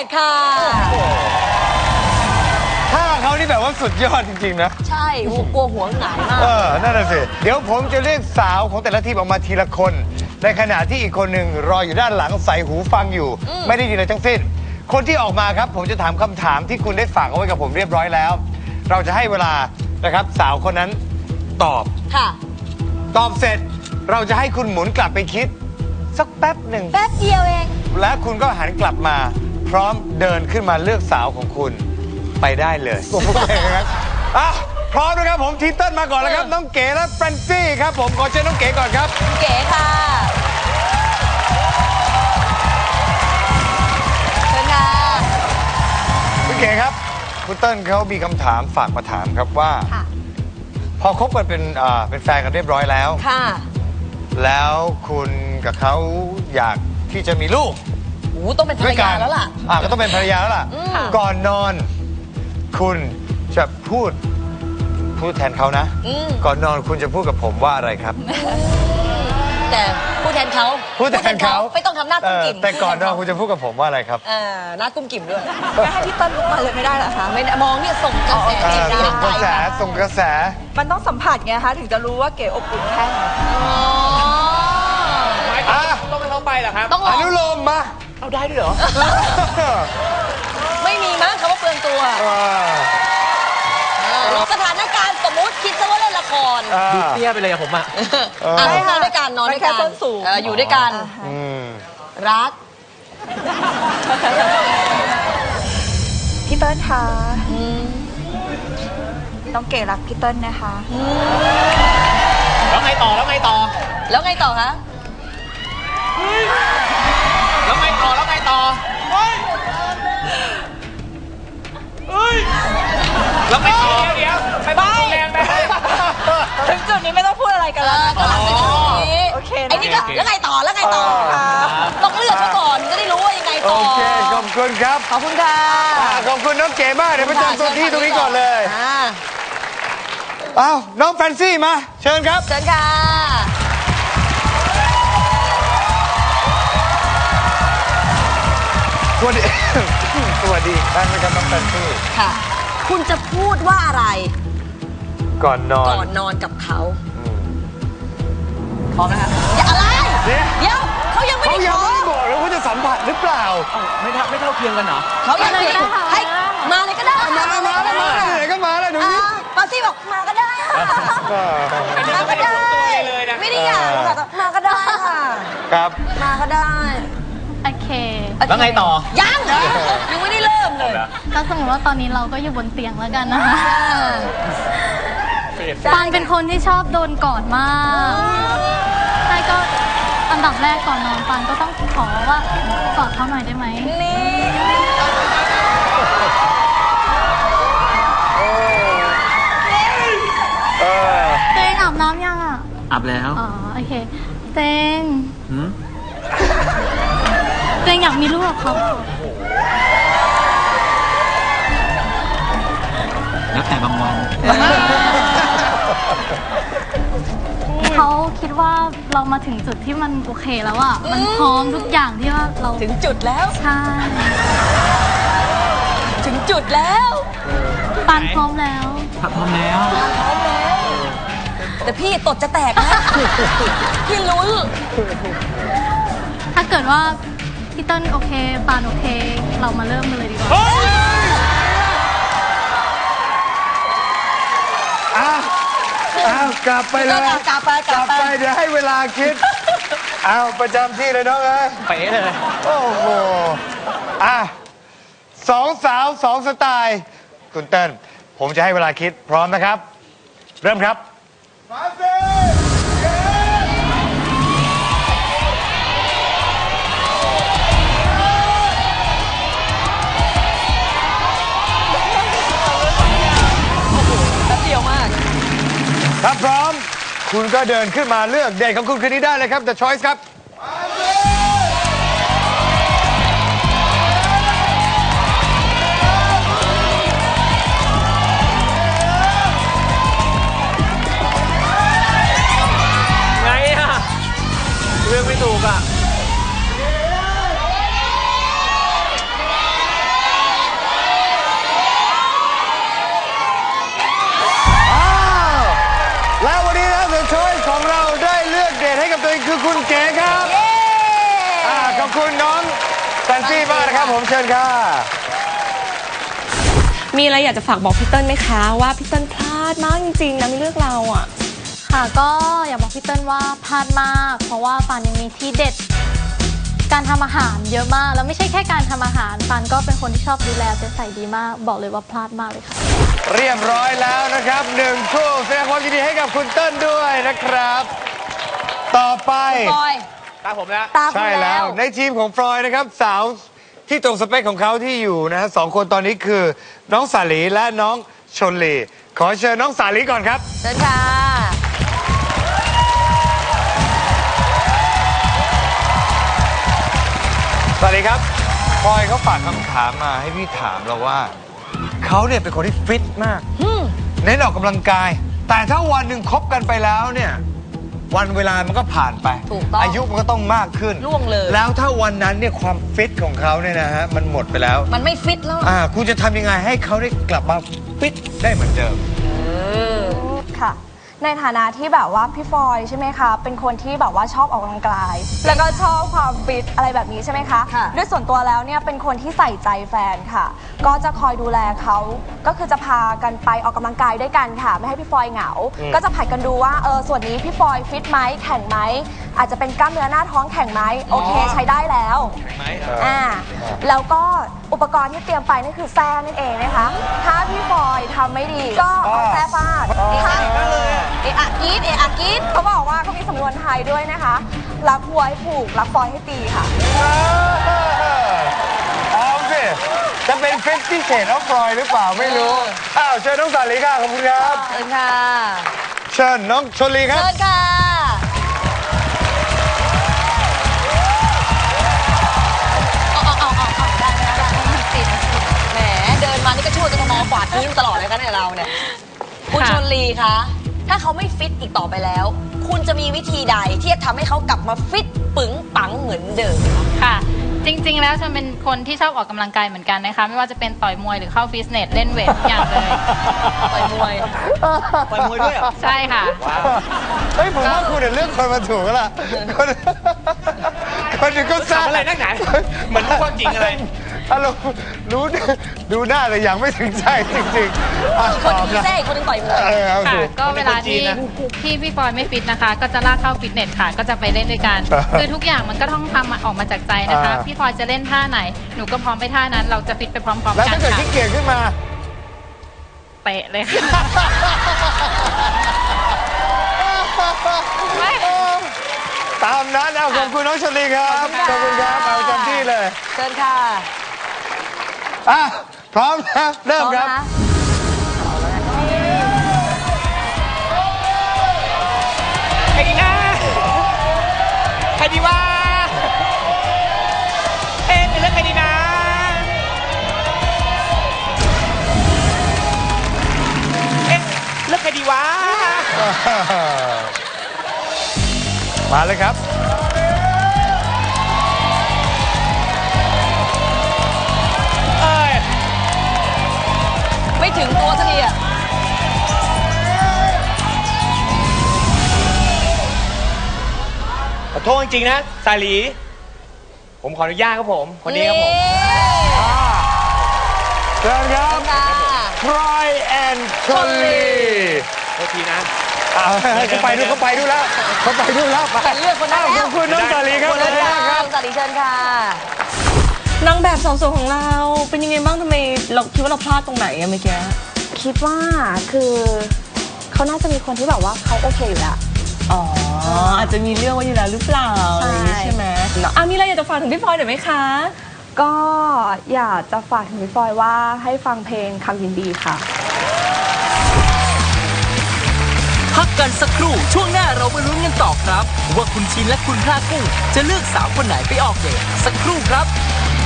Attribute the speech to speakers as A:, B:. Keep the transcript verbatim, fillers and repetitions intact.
A: ดค่ะ
B: ถ้าเขานี่แบบว่าสุดยอดจริงๆนะ
A: ใช่กลัวหัวหงายมาก
B: เออนั่นน่ะสิเดี๋ยวผมจะเรียกสาวของแต่ละทีมออกมาทีละคนในขณะที่อีกคนหนึ่งรออยู่ด้านหลังใส่หูฟังอยู่ไม่ได้ยินอะไรทั้งสิ้นคนที่ออกมาครับผมจะถามคำถามที่คุณได้ฝากเอาไว้กับผมเรียบร้อยแล้วเราจะให้เวลานะครับสาวคนนั้นตอบ
A: ค่ะ
B: ตอบเสร็จเราจะให้คุณหมุนกลับไปคิดสักแป๊บหนึ่ง
A: แป๊บเดียวเอง
B: และคุณก็หันกลับมาพร้อมเดินขึ้นมาเลือกสาวของคุณไปได้เลยผมพูดเองนะครับอ่ะพร้อมนะครับผมทีเติ้ลมาก่อนแล้วครับน้องเก๋และแฟรนซี่ครับผมขอเชิญน้องเก๋ก่อนครับ
A: เก๋ค่ะเชิญค่ะ
B: คุณเก๋ครับคุณเติ้ลเขามีคำถามฝากมาถามครับว่าพอคบกันเป็นอ่าเป็นแฟนกันเรียบร้อยแล้ว
A: ค่ะ
B: แล้วคุณกับเขาอยากที่จะมีลูก
A: โอ้ต้องเป็นภรรยาแล้วล่ะ
B: อ่าก็ต้องเป็นภรรยาแล้วล่ะก่อนนอนคุณจะพูดพูดแทนเขานะก่อนนอนคุณจะพูดกับผมว่าอะไรครับ
A: แต่พูดแทนเขา
B: พูดแทนเขา
A: ไม่ต้องทำหน้ากุ้มกิ่ม
B: แต่ก่อนนอนคุณจะพูดกับผมว่าอะไรครับ
A: อ่าหน้ากุ้มกิ่มด้วยไม่ให้พี่ต้นลุกมาเลยไม่ได้เหรอคะไม่มองเนี่ยส่งกระแส
B: ส่งกระแสส่งกระแส
C: มันต้องสัมผัสไงคะถึงจะรู้ว่าเก๋อบอุ่นแค่ไหน
D: ต้องไปเข้าไปเหรอครับ
B: อนุโลมมา
D: เอาได้ด้วยเหรอ
A: ไม่มีมั้งคำว่าเปลืองตัวสถานการณ์สมมุติคิดซะว่าเล่นละคร
D: ดูเตี้ยไปเลยอะผมอะ
A: นอนด้วยกันนอนด้วยกันอยู่ด้วยกันรัก
C: พี่เติ้ลคะน้องเก๋รักพี่เติ้ลนะคะ
D: แล้วไงต่อแล้วไงต่อ
A: แล้วไงต่อคะ
D: แล้วไงต่อแล้วไงต่อเฮ้ยเฮ้ยแล้วไงต่อเดี๋ยวไปบ้านแรงไป
C: ถึงจุดนี้ไม่ต้องพูดอะไรกันแล้วนะคะ
A: โอเคไอ้นี่ก็แล้วไงต่อแล้วไงต่อต้องเลือกซะก่อนจะได้รู้ว่ายังไงต่อ
B: โอเคขอบคุณครับ
A: ขอบคุณค่ะ
B: ขอบคุณน้องเก๋มากเดี๋ยวประจำตัวที่ตรงนี้ก่อนเลยอ้าวน้องแฟนซี่มาเชิญครับ
A: เชิญค่ะ
B: สวัสดีสวัสดีท่านนะครับน้องแฟนซี่
A: ค่ะคุณจะพูดว่าอะไร
B: ก่อนนอน
A: ก่อนนอนกับเขาพร้อมนะคะอย่าอะไรเดี๋ยวเขายังไม่ได้
B: เขายังไม่ได้บอกเลยว่าจะสัมผัสหรือเปล่า
D: ไม่เท่าไม่เท่าเทียมกันเหรอ
A: เขายังไม่ได้ให้มาเลยก็ได้
B: มามามามาไหนก็มาแล้วดูนี่
A: ปาซี่บอกมาก็ได้มาก็ได้ไม่ได้อยากมาก็ได้ค่ะ
B: ครับ
A: มาก็ได้
E: โอเค
D: แล้วไงต่อ
A: ยังยังไม่ได้เริ่มเลย
E: ก็สมมติว่าตอนนี้เราก็อยู่บนเตียงแล้วกันนะคะปานเป็นคนที่ชอบโดนกอดมากใช่ก็อันดับแรกก่อนนอนปานก็ต้องขอว่ากอดเขาหน่อยได้ไหม
A: นี่
E: เตงอาบน้ำยังอ่ะ
D: อาบแล้ว
E: อ๋อโอเคเตงเตงอยากมีลูกกับเขา
D: แล้วแต่บางวัน
E: เขาคิดว่าเรามาถึงจุดที่มันโอเคแล้วอ่ะมันพร้อมทุกอย่างที่ว่าเรา
A: ถึงจุดแล้ว
E: ใช่
A: ถึงจุดแล้ว
E: ปานพร้อมแล้ว
D: พร้อมแล้ว
A: พร้อมแล้วแต่พี่ตดจะแตกนะพี่ลุ้น
E: ถ้าเกิดว่าพี่เติ้ลโอเคปานโอเคเรามาเริ่มกันเลยดีกว่า
B: อ้าวอ้าวกลับไปเลย
A: กลับไป
B: กลับไปเดี๋ยวให้เวลาคิดอ้าวประจำที่เลยน้องเอ้ย
D: เป๊ะเลย
B: โอ้โหอ่ะสองสาวสองสไตล์คุณเติ้ลผมจะให้เวลาคิดพร้อมนะครับเริ่มครับมาสิถ้าพร้อมคุณก็เดินขึ้นมาเลือกเดทของคุณคืนนี้ได้เลยครับ The Choice ครับ
D: ไงอ่ะเรื่องไม่ถูกอ่ะ
B: เป็นคือคุณเก๋ครับอ่าขอบคุณน้องแฟนซี่มากนะครับผมเชิญค่ะ
A: มีอะไรอยากจะฝากบอกพี่เติ้ลไหมคะว่าพี่เติ้ลพลาดมากจริงๆนะไม่เลือกเราอ่ะ
E: ค่ะก็อยากบอกพี่เติ้ลว่าพลาดมาก เพราะว่าฟันยังมีที่เด็ด การทำอาหารเยอะมาก แล้วไม่ใช่แค่การทำอาหารฟันก็เป็นคนที่ชอบดูแลเป็นใส่ดีมาก บอกเลยว่าพลาดมากเลยค่ะ
B: เรียบร้อยแล้วนะครับหนึ่งช่วงแสดงความยินดีให้กับคุณเติ้ลด้วยนะครับ ต่อไป
C: ฟอย
D: ตามผมแล้ว
C: ตามคุณ
B: ใช่แล้
C: แล้ว ว
B: ในทีมของฟลอยนะครับสาวที่ตรงสเปคของเขาที่อยู่นะฮะสองคนตอนนี้คือ น้องสาลีและน้องชนลีขอเชิญน้องสาลีก่อนครับ
C: เชิญค่ะ
B: สวัสดีครับพลอยเขาฝากคำถามมาให้พี่ถามเราว่า เขาเนี่ยเป็นคนที่ฟิตมากเน้นออกกำลังกาย แต่ถ้าวันหนึ่งคบกันไปแล้วเนี่ย วันเวลามันก็ผ่านไป
C: ถูกต้อง
B: อายุมันก็ต้องมากขึ้น
C: ล่วงเลย
B: แล้วถ้าวันนั้นเนี่ยความฟิตของเขาเนี่ยนะฮะมันหมดไปแล้ว
C: มันไม่ฟิตแล้ว
B: อ่าคุณจะทำยังไงให้เขาได้กลับมาฟิตได้เหมือนเดิม
F: ค่ะ ในฐานะที่แบบว่าพี่ฟอยใช่ไหมคะ เป็นคนที่แบบว่าชอบออกกำลังกาย แล้วก็ชอบความฟิตอะไรแบบนี้ใช่ไหมคะ
C: ค่ะ
F: ด้วยส่วนตัวแล้วเนี่ยเป็นคนที่ใส่ใจแฟนค่ะ ก็จะคอยดูแลเขาก็คือจะพากันไปออกกำลังกายด้วยกันค่ะ ไม่ให้พี่ฟอยเหงา ก็จะผัดกันดูว่าเออส่วนนี้พี่ฟอยฟิตไหมแข่งไหมอาจจะเป็นกล้ามเนื้อหน้าท้องแข่งไหมโอเคใช้ได้แล้ว อ่าแล้วก็อุปกรณ์ที่เตรียมไปนั่นคือแส้นั่นเองนะคะ ถ้าพี่ฟอยทำไม่ดี ก็เอาแส้ฟาดถ้าเอะอะกรีดเอะอะกรีดเขาบอกว่าเขามีสำนวนไทยด้วยนะคะ รักวัวให้ผูก รักฟอยให้ตีค่ะ
B: เอาสิจะเป็นฟิตพิเศษน้องฟลอยหรือเปล่าไม่รู้ อ้าวเชิญน้องสาลีค่ะขอบคุณครับ
C: เชิญค่ะ
B: เชิญน้องชลลีครับ
C: เชิญค่ะเอาเอาเอาเอาเอาได้ได้ได้ได้ติดแหมเดินมานี่ก็ช่วยกันมองกวาดพื้นตลอดเลยคะเนี่ยเราเนี่ยคุณชนลีคะถ้าเขาไม่ฟิตอีกต่อไปแล้ว คุณจะมีวิธีใดที่จะทำให้เขากลับมาฟิตปึงปังเหมือนเดิม
E: ค่ะ จริง ๆ แล้วฉันเป็นคนที่ชอบออกกำลังกายเหมือนกันนะคะ ไม่ว่าจะเป็นต่อยมวยหรือเข้าฟิตเนสเล่นเวททุกอย่างเลย
C: ต่อยมวย
D: ต่อยมวยด้วยเหรอ
E: ใช่ค่ะ
B: เฮ้ยผมว่าคุณเนี่ยเลือกคนมาถูกแล้วล่ะคนคนหนึ่งก็ทราบ
D: ทำอะไรนักหนาเหมือนรู้ความจริงอะไร
B: อารมณ์รู้ดูหน้าแต่ยังไม่ถึงใจจริงๆอ่ะ
C: อีกคน
B: ต
C: ห
B: อ
C: นึ
B: บ
C: ง
B: นะ
C: แท้อีกคนหนึงต่อยมวย
B: เออเอา
E: ค่ะ
B: สิ
E: ก็เวลาที่
D: คนเป็นคนจีนนะ
E: ที่พี่ฟอยไม่ฟิตนะคะ ก็จะลากเข้าฟิตเนสค่ะ ก็จะไปเล่นด้วยกัน คือทุกอย่างมันก็ต้องทำออกมาจากใจนะคะ
B: อ่า
E: พี่ฟอยจะเล่นท่าไหน หนูก็พร้อมไปท่านั้น เราจะฟิตไปพร้อมๆ
B: แล้ว
E: กัน
B: ถ้าเกิด
E: ค่ะ
B: ขี้เกียจขึ้นมา
E: เตะเลยค่ะ ไม่
B: ตามนั้นเอาขอบคุณน้องชลีครับขอบคุณครับเอาจำที่เลย
C: เชิญค่ะ
B: อ่ะพร้อมนะเริ่มครับ
D: ใครดีนะใครดีวะเอ๊ะจะเลือกใครดีนะเอ๊ะเลือกใครดีวะ
B: มาเลยครับ
D: เอ้ย
C: ไม่ถึงตัวสักทีอ่ะ
D: ขอโทษจริงๆนะสาลี ผมขออนุญาตครับผมคนนี้ครับผม
B: เชิญครับ
C: ค่ะ
B: ทรอยแอนชลลี
D: โทษทีนะ
B: เอาเขาไปดูเขาไปดูแล้วเขาไปดูแล้วไป
C: แต่เลือกคนได้
B: อ้าว
C: แล้
B: ข
C: ว
B: อบคุณน้องสาลีครับ
C: คน
B: ขอบ
C: เลื
B: คุ
C: อก
B: ณมากค
C: ค่ะ
B: รับ
C: สวัสดีเชิญค่ะนางแบบสาวสวยของเราเป็นยังไงบ้างทำไมเราคิดว่าเราพลาดตรงไหนอะเมื่อกี้
F: คิดว่าคือเขาน่าจะมีคนที่แบบว่าเขาโอเคอยู่แล้ว
C: อ๋ออาจจะมีเรื่องไว้อยู่แล้วหรือเปล่า
F: ใช่
C: อะไรอย่างงี้ใช่ไหมอ่ะมีอะไรอยากจะฝากถึงพี่พลอยหน่อยไหมคะ
F: ก็อยากจะฝากถึงพี่ฟอยว่าให้ฟังเพลงคำยินดีค่ะ
G: พักกันสักครู่ช่วงหน้าเรามาลุ้นกันต่อครับ ว่าคุณชินและคุณพระกุ้งจะเลือกสาวคนไหนไปออกเดทสักครู่ครับ